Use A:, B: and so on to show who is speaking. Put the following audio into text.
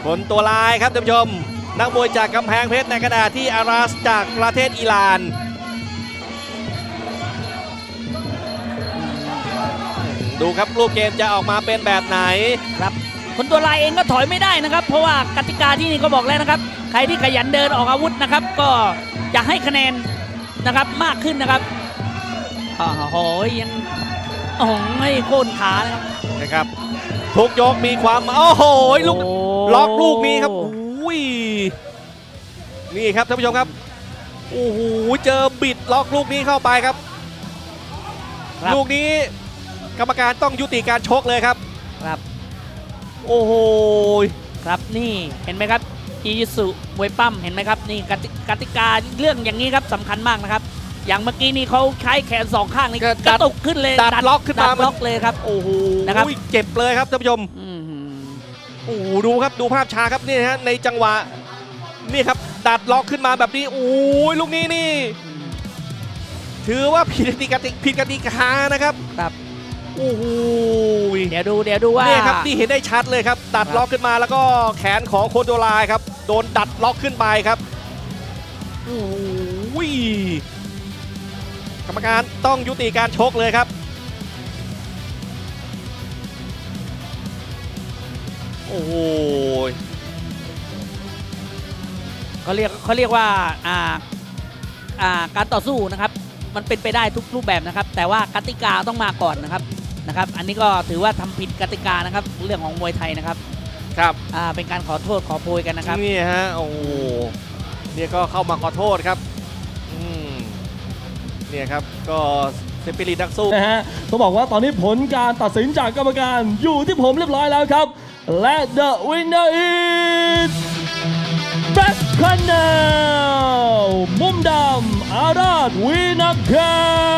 A: คนตัวลายครับท่านผู้ชมนักมวยจากกำแพงเพชรในขณะที่อาราสจากประเทศอิหร่านดูครับรูปเกมจะออกมาเป็นแบบไหน
B: ครับคนตัวลายเองก็ถอยไม่ได้นะครับเพราะว่ากติกาที่นี่ก็บอกแล้วนะครับใครที่ขยันเดินออกอาวุธนะครับก็จะให้คะแนนนะครับมากขึ้นนะครับโอ้โหยังโอ้โหโค่นขา
A: นะครับทุกยกมีความโอ้โหลูกล็อกลูกนี้ครับอุ้ยนี่ครับท่านผู้ชมครับโอ้โหเจอบิดล็อกลูกนี้เข้าไปครับลูกนี้กรรมการต้องยุติการชกเลยครับโอ้โห
B: ครับนี่เห็นไหมครับจีจิสุมวยปั้มเห็นไหมครับนี่กติกาเรื่องอย่างนี้ครับสำคัญมากนะครับอย่างเมื่อกี้นี่เขาใช้แขนสองข้างนี่กระตุกขึ้นเลย
A: ดัดล็อกขึ้นมา
B: ล็อกเลยครับ
A: โอ้โห
B: นะครับ
A: เจ็บเลยครับท่านผู้ชมโอ้โหดูครับดูภาพช้าครับนี่ฮะในจังหวะนี่ครับดัดล็อกขึ้นมาแบบนี้โอ้ยลูกนี้นี่ถือว่าผิดกติกานะครับโอ้โห
B: เดี๋ยวดูว่า
A: เนี่ยครับนี่เห็นได้ชัดเลยครับดัดล็อกขึ้นมาแล้วก็แขนของโคโดลายครับโดนดัดล็อกขึ้นไปครับโอ้โหกรรมการต้องยุติการชกเลยครับโอ้โห
B: เขาเรียกว่าการต่อสู้นะครับมันเป็นไปได้ทุกรูปแบบนะครับแต่ว่ากติกาต้องมาก่อนนะครับอันนี้ก็ถือว่าทำผิดกติกานะครับเรื่องของมวยไทยนะครับเป็นการขอโทษขอโพยกันนะครับ
A: นี่ฮะโอ้เนี่ยก็เข้ามาขอโทษครับเนี่ยครับก็สปิริตนักสู้
C: นะฮะต้องบอกว่าตอนนี้ผลการตัดสินจากกรรมการอยู่ที่ผมเรียบร้อยแล้วครับและ the winner is Black Corner มุมดำอาราธวีนักแข่